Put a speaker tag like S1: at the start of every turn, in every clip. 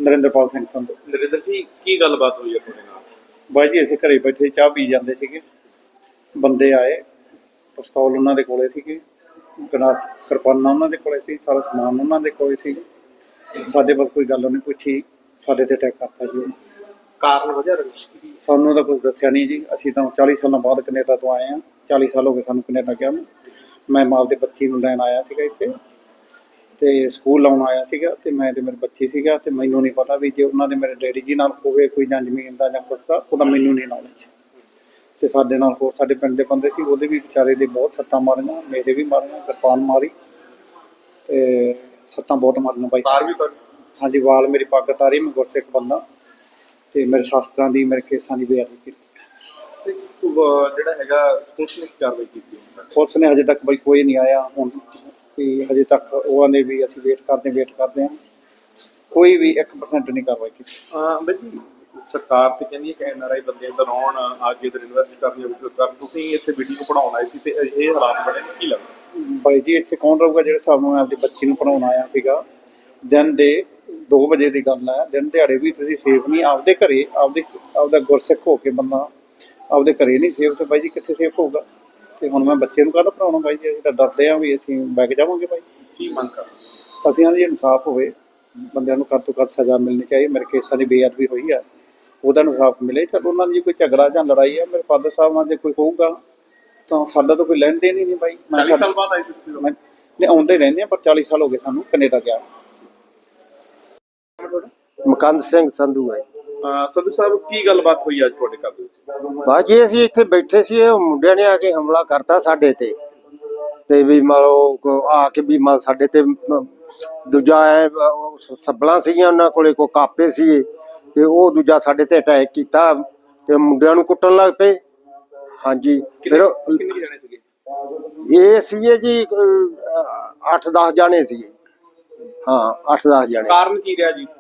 S1: ਨਰਿੰਦਰਪਾਲ ਸਿੰਘ ਸੰਧੂ।
S2: ਨਰਿੰਦਰ ਜੀ ਕੀ ਗੱਲਬਾਤ ਹੋਈ ਹੈ ਤੁਹਾਡੇ ਨਾਲ?
S1: ਬਾਈ ਜੀ ਅਸੀਂ ਘਰੇ ਬੈਠੇ ਚਾਹ ਪੀ ਜਾਂਦੇ ਸੀਗੇ, ਬੰਦੇ ਆਏ, ਪਿਸਤੌਲ ਉਹਨਾਂ ਦੇ ਕੋਲੇ ਸੀਗੇ, ਗਨਾਤ ਕਿਰਪਾਨਾਂ ਉਹਨਾਂ ਦੇ ਕੋਲੇ ਸੀ, ਸਾਰਾ ਸਮਾਨ ਉਹਨਾਂ ਦੇ ਕੋਲੇ ਸੀ। ਸਾਡੇ ਬਸ ਕੋਈ ਗੱਲ ਨਹੀਂ ਪੁੱਛੀ, ਸਾਡੇ ਤੇ ਅਟੈਕ ਕਰਤਾ ਜੀ ਉਹਨੇ।
S2: ਕਾਰਨ ਵਜ੍ਹਾ ਰੰਜਿਸ਼ ਕੀ?
S1: ਸਾਨੂੰ ਤਾਂ ਕੁਝ ਦੱਸਿਆ ਨਹੀਂ ਜੀ। ਅਸੀਂ ਤਾਂ 40 ਸਾਲਾਂ ਬਾਅਦ ਕੈਨੇਡਾ ਤੋਂ ਆਏ ਹਾਂ। 40 ਸਾਲ ਹੋ ਗਏ ਸਾਨੂੰ ਕੈਨੇਡਾ ਗਿਆ ਨੂੰ। ਮੈਂ ਮਾਂ ਦੇ ਬੱਚੀ ਨੂੰ ਲੈਣ ਆਇਆ ਸੀਗਾ ਇੱਥੇ, ਤੇ ਸਕੂਲ ਲਾਉਣ ਆਇਆ ਸੀਗਾ, ਤੇ ਮੈਂ ਤੇ ਮੇਰੇ ਬੱਚੀ ਸੀਗਾ, ਤੇ ਮੈਨੂੰ ਨਹੀਂ ਪਤਾ ਵੀ ਜੇ ਉਹਨਾਂ ਦੇ ਮੇਰੇ ਡੈਡੀ ਜੀ ਨਾਲ ਹੋਵੇ ਕੋਈ ਜਾਂ ਜ਼ਮੀਨ ਦਾ ਜਾਂ ਕੁਛ ਦਾ, ਉਹਦਾ ਮੈਨੂੰ ਨਹੀਂ ਨੌਲੇਜ। ਤੇ ਸਾਡੇ ਨਾਲ ਹੋਰ ਸਾਡੇ ਪਿੰਡ ਦੇ ਬੰਦੇ ਸੀ, ਉਹਦੇ ਵੀ ਵਿਚਾਰੇ ਦੇ ਬਹੁਤ ਸੱਟਾਂ ਮਾਰੀਆਂ, ਮੇਰੇ ਵੀ ਮਾਰੀਆਂ, ਕਿਰਪਾਨ ਮਾਰੀ, ਤੇ ਸੱਟਾਂ ਬਹੁਤ ਮਾਰੀਆਂ ਬਾਈ।
S2: ਤਾਰ ਵੀ ਕਰ?
S1: ਹਾਂਜੀ, ਵਾਲ ਮੇਰੀ ਪੱਗ ਤਾਰੀ, ਮੈਂ ਗੁਰਸਿੱਖ ਬੰਦਾ, ਤੇ ਮੇਰੇ ਸ਼ਾਸਤਰਾਂ ਦੀ, ਮੇਰੇ ਕੇਸਾਂ ਦੀ ਬੇਅਦਬੀ ਕੀਤੀ।
S2: ਤੇ ਜਿਹੜਾ ਹੈਗਾ ਪੁਲਿਸ ਨੇ ਕਾਰਵਾਈ ਕੀਤੀ?
S1: ਪੁਲਿਸ ਨੇ ਹਜੇ ਤੱਕ ਬਈ ਕੋਈ ਨਹੀਂ ਆਇਆ ਹੁਣ, ਵੀ ਹਜੇ ਤੱਕ ਉਹਨਾਂ ਨੇ ਵੀ ਅਸੀਂ ਵੇਟ ਕਰਦੇ ਹਾਂ, ਕੋਈ ਵੀ 1% ਨਹੀਂ ਕਾਰਵਾਈ ਕੀਤੀ।
S2: ਬਈ ਜੀ ਸਰਕਾਰ ਤੇ ਕਹਿੰਦੀ ਹੈ ਕਿ ਐਨਆਰਆਈ ਬੰਦੇ ਅੰਦਰ ਆਉਣ, ਆ ਕੇ ਇੱਧਰ ਇਨਵੈਸਟ ਕਰਨ, ਤੁਸੀਂ ਇੱਥੇ ਬੇਟੀ ਨੂੰ ਪੜ੍ਹਾਉਣ ਆਏ ਸੀ ਤੇ ਇਹ ਹਾਲਾਤ ਬਣੇ ਨੇ, ਕੀ ਲੱਗਦਾ?
S1: ਬਾਈ ਜੀ ਇੱਥੇ ਕੌਣ ਰਹੂਗਾ ਜਿਹੜੇ ਹਿਸਾਬ ਨਾਲ ਮੈਂ ਆਪਣੀ ਬੱਚੀ ਨੂੰ ਪੜ੍ਹਾਉਣ ਆਇਆ ਸੀਗਾ। ਦਿਨ ਦੇ 2 ਵਜੇ ਦੀ ਗੱਲ ਹੈ, ਦਿਨ ਦਿਹਾੜੇ ਵੀ ਤੁਸੀਂ ਸੇਫ ਨਹੀਂ ਆਪਦੇ ਘਰੇ, ਆਪਦਾ ਗੁਰਸਿੱਖ ਹੋ ਕੇ ਬੰਦਾ ਆਪਦੇ ਘਰੇ ਨਹੀਂ ਸੇਫ, ਤੇ ਬਾਈ ਜੀ ਕਿੱਥੇ ਸੇਫ ਹੋਊਗਾ? ਤੇ ਹੁਣ ਮੈਂ ਬੱਚੇ ਨੂੰ ਕਾਹਦਾ ਪੜ੍ਹਾਉਣਾ ਬਾਈ ਜੀ? ਅਸੀਂ ਤਾਂ ਡਰਦੇ ਹਾਂ ਵੀ ਅਸੀਂ ਬੈਗ ਜਾਵਾਂਗੇ ਬਾਈ।
S2: ਕੀ ਮੰਗ ਕਰਦੇ?
S1: ਅਸੀਂ ਆਂਦੇ ਇਨਸਾਫ ਹੋਵੇ, ਬੰਦਿਆਂ ਨੂੰ ਘੱਟ ਤੋਂ ਘੱਟ ਸਜ਼ਾ ਮਿਲਣੀ ਚਾਹੀਦੀ। ਮੇਰੇ ਕੇਸਾਂ ਦੀ ਬੇਅਦਬੀ ਹੋਈ ਹੈ, ਉਹਦਾ ਇਨਸਾਫ ਮਿਲੇ। ਚਲੋ ਉਹਨਾਂ ਦੀ ਕੋਈ ਝਗੜਾ ਜਾਂ ਲੜਾਈ ਹੈ ਮੇਰੇ ਫਾਦਰ ਸਾਹਿਬ ਨਾਲ ਜੇ ਕੋਈ ਹੋਊਗਾ ਤਾਂ ਸਾਡਾ ਤਾਂ ਕੋਈ ਲੈਣ ਦੇਣ ਹੀ ਨਹੀਂ ਬਾਈ।
S2: 40 ਸਾਲ ਬਾਅਦ ਆਏ ਸੀ
S1: ਨਹੀਂ, ਆਉਂਦੇ ਰਹਿੰਦੇ ਆ, ਪਰ 40 ਸਾਲ ਹੋ ਗਏ ਸਾਨੂੰ ਕੈਨੇਡਾ ਗਿਆ।
S3: ਮਕੰਦ ਸਿੰਘ ਸੰਧੂ ਹੈ।
S2: ਸੰਧੂ ਸਾਹਿਬ ਕੀ ਗੱਲਬਾਤ ਹੋਈ ਅੱਜ ਤੁਹਾਡੇ ਘਰ ਦੇ ਵਿੱਚ?
S3: ਬਾਜੀ ਅਸੀਂ ਇੱਥੇ ਬੈਠੇ ਸੀ, ਉਹ ਮੁੰਡਿਆਂ ਨੇ ਆ ਕੇ ਹਮਲਾ ਕਰਤਾ ਸਾਡੇ ਤੇ ਵੀ ਮੰਨ ਆ ਕੇ ਵੀ ਸਾਡੇ ਤੇ ਦੂਜਾ ਸੱਬਲਾਂ ਸੀਗੀਆਂ, ਉਹਨਾਂ ਕੋਲੇ ਕੋਈ ਕਾਪੇ ਸੀਗੇ, ਤੇ ਉਹ ਦੂਜਾ ਸਾਡੇ ਤੇ ਅਟੈਕ ਕੀਤਾ ਤੇ ਮੁੰਡਿਆਂ ਨੂੰ ਕੁੱਟਣ ਲੱਗ ਪਏ। ਹਾਂਜੀ, ਫਿਰ
S2: ਕਿੰਨੇ ਜਣੇ ਸੀਗੇ?
S3: ਇਹ ਸੀਗੇ ਜੀ 8-10 ਜਾਣੇ ਸੀਗੇ। ਹਾਂ, 8-10 ਜਾਣੇ।
S2: ਕਾਰਨ ਕੀ ਰਿਹਾ ਜੀ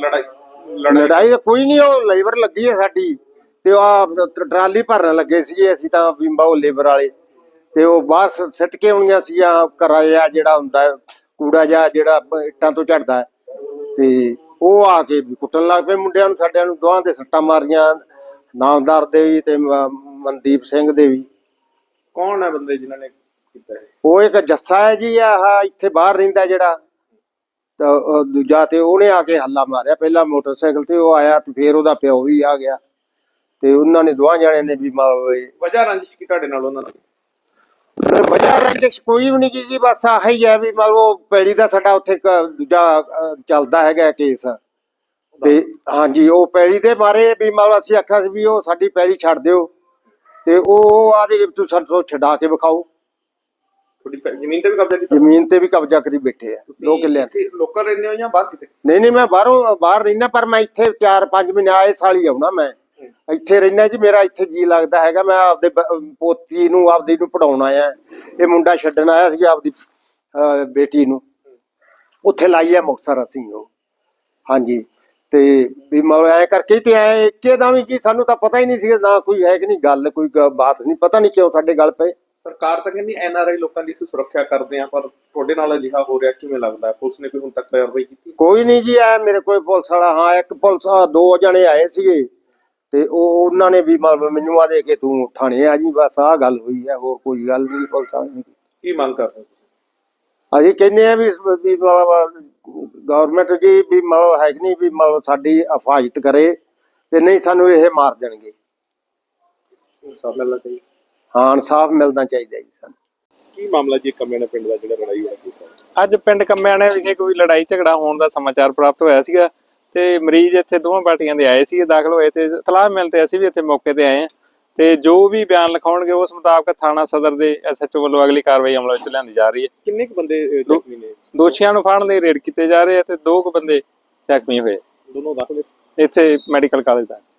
S3: ਲੜਾਈ ਤਾਂ ਕੋਈ ਨਹੀਂ, ਉਹ ਲੇਬਰ ਲੱਗੀ ਹੈ ਸਾਡੀ, ਤੇ ਉਹ ਟਰਾਲੀ ਭਰਨ ਲੱਗੇ ਸੀਗੇ ਅਸੀਂ ਤਾਂ ਬੀਂਬਾ, ਉਹ ਲੇਬਰ ਵਾਲੇ, ਤੇ ਉਹ ਬਾਹਰ ਸਿੱਟ ਕੇ ਆਉਣੀਆਂ ਸੀਗੀਆਂ ਕਿਰਾਇਆ ਜਿਹੜਾ ਹੁੰਦਾ ਕੂੜਾ ਜਿਹਾ ਜਿਹੜਾ ਇੱਟਾਂ ਤੋਂ ਝੜਦਾ, ਤੇ ਉਹ ਆ ਕੇ ਕੁੱਟਣ ਲੱਗ ਪਏ ਮੁੰਡਿਆਂ ਨੂੰ, ਸਾਡਿਆਂ ਨੂੰ ਦੋਹਾਂ ਦੇ ਸੱਟਾਂ ਮਾਰੀਆਂ, ਨਾਮਦਾਰ ਦੇ ਵੀ ਤੇ ਮਨਦੀਪ ਸਿੰਘ ਦੇ ਵੀ।
S2: ਕੌਣ ਹੈ ਬੰਦੇ ਜਿਨ੍ਹਾਂ ਨੇ ਕੀਤਾ ਹੈ?
S3: ਉਹ ਇੱਕ ਜੱਸਾ ਹੈ ਜੀ, ਆਹ ਇੱਥੇ ਬਾਹਰ ਰਹਿੰਦਾ ਜਿਹੜਾ, ਤਾਂ ਦੂਜਾ ਤੇ ਉਹਨੇ ਆ ਕੇ ਹੱਲਾ ਮਾਰਿਆ ਪਹਿਲਾਂ ਮੋਟਰਸਾਈਕਲ ਤੇ, ਉਹ ਆਇਆ ਤੇ ਫਿਰ ਉਹਦਾ ਪਿਓ ਵੀ ਆ ਗਿਆ, ਤੇ ਉਹਨਾਂ ਨੇ ਦੋਹਾਂ ਜਣਿਆਂ ਨੇ ਵੀ
S2: ਵਜ੍ਹਾ ਰੰਜਿਸ਼ ਕੀ ਤੁਹਾਡੇ ਨਾਲ ਉਹਨਾਂ ਨਾਲ?
S3: ਵਜ੍ਹਾ ਰੰਜਿਸ਼ ਕੋਈ ਵੀ ਨਹੀਂ ਜੀ, ਬਸ ਆਹ ਹੀ ਹੈ ਵੀ ਉਹ ਪੈੜੀ ਦਾ ਸਾਡਾ ਉੱਥੇ ਦੂਜਾ ਚੱਲਦਾ ਹੈਗਾ ਕੇਸ, ਤੇ ਹਾਂਜੀ ਉਹ ਪੈੜੀ ਦੇ ਬਾਰੇ ਵੀ ਅਸੀਂ ਆਖਿਆ ਸੀ ਵੀ ਉਹ ਸਾਡੀ ਪੈੜੀ ਛੱਡ ਦਿਓ, ਤੇ ਉਹ ਆਦੇ ਤੁਸੀਂ ਸਾਡੇ ਤੋਂ ਛਡਾ ਕੇ ਵਿਖਾਓ।
S2: ਜ਼ਮੀਨ ਤੇ ਵੀ ਕਬਜ਼ਾ ਕੀਤਾ?
S3: ਜ਼ਮੀਨ ਤੇ ਵੀ ਕਬਜ਼ਾ ਕਰੀ ਬੈਠੇ ਆ 2 ਕਿੱਲਿਆਂ ਤੇ।
S2: ਲੋਕਲ ਰਹਿੰਦੇ ਹੋ ਜਾਂ ਬਾਹਰ ਕਿਤੇ?
S3: ਨਹੀਂ, ਮੈਂ ਬਾਹਰ ਰਹਿਣਾ, ਪਰ ਮੈਂ ਇੱਥੇ 4-5 ਮਹੀਨੇ ਆਏ ਸਾਲ ਹੀ ਆਉਣਾ, ਮੈਂ ਇੱਥੇ ਰਹਿਣਾ ਜੀ, ਮੇਰਾ ਇੱਥੇ ਜੀ ਲੱਗਦਾ ਹੈਗਾ। ਮੈਂ ਆਪਦੇ ਪੋਤੀ ਨੂੰ ਆਪਦੀ ਨੂੰ ਪੜਾਉਣ ਆਇਆ, ਇਹ ਮੁੰਡਾ ਛੱਡਣ ਆਇਆ ਸੀ ਆਪਦੀ ਬੇਟੀ ਨੂੰ, ਉੱਥੇ ਲਾਈ ਹੈ ਮੁਕਤਸਰ ਅਸੀਂ ਉਹ। ਹਾਂਜੀ, ਤੇ ਵੀ ਐ ਕਰਕੇ ਤੇ ਐ ਇੱਕੇ ਦਾ ਵੀ ਜੀ ਸਾਨੂੰ ਤਾਂ ਪਤਾ ਹੀ ਨਹੀਂ ਸੀ ਨਾ ਕੋਈ ਹੈ ਕਿ ਨਹੀਂ ਗੱਲ, ਕੋਈ ਬਾਤ ਨਹੀਂ, ਪਤਾ ਨਹੀਂ ਕਿਉਂ ਸਾਡੇ ਗੱਲ ਪਏ।
S2: ਸਰਕਾਰ ਤਾਂ ਕਹਿੰਦੀ ਐਨਆਰਆਈ ਲੋਕਾਂ ਦੀ ਅਸੀਂ ਸੁਰੱਖਿਆ ਕਰਦੇ ਆ, ਪਰ ਤੁਹਾਡੇ ਨਾਲ ਅਜਿਹਾ ਹੋ ਰਿਹਾ, ਕਿਵੇਂ ਲੱਗਦਾ? ਪੁਲਿਸ ਨੇ ਕੋਈ ਹੁਣ ਤੱਕ ਕਾਰਵਾਈ ਕੀਤੀ?
S3: ਕੋਈ ਨਹੀਂ ਜੀ, ਆ ਮੇਰੇ ਕੋਲ ਪੁਲਿਸ ਵਾਲਾ, ਹਾਂ ਇੱਕ ਪੁਲਿਸ 2 ਜਣੇ ਆਏ ਸੀਗੇ, ਤੇ ਉਹਨਾਂ ਨੇ ਵੀ ਮੈਨੂੰ ਆ ਦੇ ਕੇ ਤੂੰ ਥਾਣੇ ਆ ਜੀ, ਬਸ ਆਹ ਗੱਲ ਹੋਈ ਹੈ, ਹੋਰ ਕੋਈ ਗੱਲ ਨਹੀਂ। ਪੁਲਿਸ ਵਾਲੇ ਨੇ
S2: ਕੀ ਮੰਗ ਕਰਦੇ?
S3: ਅਸੀਂ ਕਹਿੰਦੇ ਆ ਵੀ ਗਵਰਨਮੈਂਟ ਜੀ ਵੀ ਹੈ ਕਿ ਨਹੀਂ ਵੀ ਸਾਡੀ ਹਿਫਾਜ਼ਤ ਕਰੇ, ਤੇ ਨਹੀਂ ਸਾਨੂੰ ਇਹ ਮਾਰ ਦੇਣਗੇ।
S2: ਇਨਸਾਫ ਮਿਲਣਾ ਚਾਹੀਦਾ।
S3: ਹਾਂ, ਇਨਸਾਫ ਮਿਲਣਾ ਚਾਹੀਦਾ ਜੀ ਸਾਨੂੰ।
S2: ਕੀ ਮਾਮਲਾ ਜੀ ਕਮਿਆਣਾ ਪਿੰਡ ਦਾ ਜਿਹੜਾ ਲੜਾਈ ਹੋਇਆ ਕੇਸ?
S4: ਅੱਜ ਪਿੰਡ ਕਮਿਆਣੇ ਵਿਖੇ ਕੋਈ ਲੜਾਈ ਝਗੜਾ ਹੋਣ ਦਾ ਸਮਾਚਾਰ ਪ੍ਰਾਪਤ ਹੋਇਆ ਸੀਗਾ, ਤੇ ਮਰੀਜ਼ ਇੱਥੇ ਦੋਵਾਂ ਪਾਰਟੀਆਂ ਦੇ ਆਏ ਸੀ, ਦਾਖਲ ਹੋਏ, ਤੇ ਇਤਲਾਹ ਮਿਲ ਤੇ ਅਸੀਂ ਵੀ ਇੱਥੇ ਮੌਕੇ ਤੇ ਆਏ ਹਾਂ, ਤੇ ਜੋ ਵੀ ਬਿਆਨ ਲਿਖਾਉਣਗੇ ਉਸ ਮੁਤਾਬਕ ਥਾਣਾ ਸਦਰ ਦੇ ਐਸਐਚਓ ਵੱਲੋਂ ਅਗਲੀ ਕਾਰਵਾਈ ਅਮਲ ਵਿੱਚ ਲਿਆਂਦੀ ਜਾ ਰਹੀ ਹੈ।
S2: ਕਿੰਨੇ ਕੁ ਬੰਦੇ ਜ਼ਖਮੀ ਨੇ?
S4: ਦੋਸ਼ੀਆਂ ਨੂੰ ਫੜਨ ਲਈ ਰੇਡ ਕੀਤੇ ਜਾ ਰਹੇ ਆ, ਤੇ 2 ਕੁ ਬੰਦੇ ਜ਼ਖਮੀ ਹੋਏ।
S2: ਦੋਨੋਂ ਦਾਖਲ
S4: ਇੱਥੇ ਮੈਡੀਕਲ ਕਾਲਜ ਦਾ।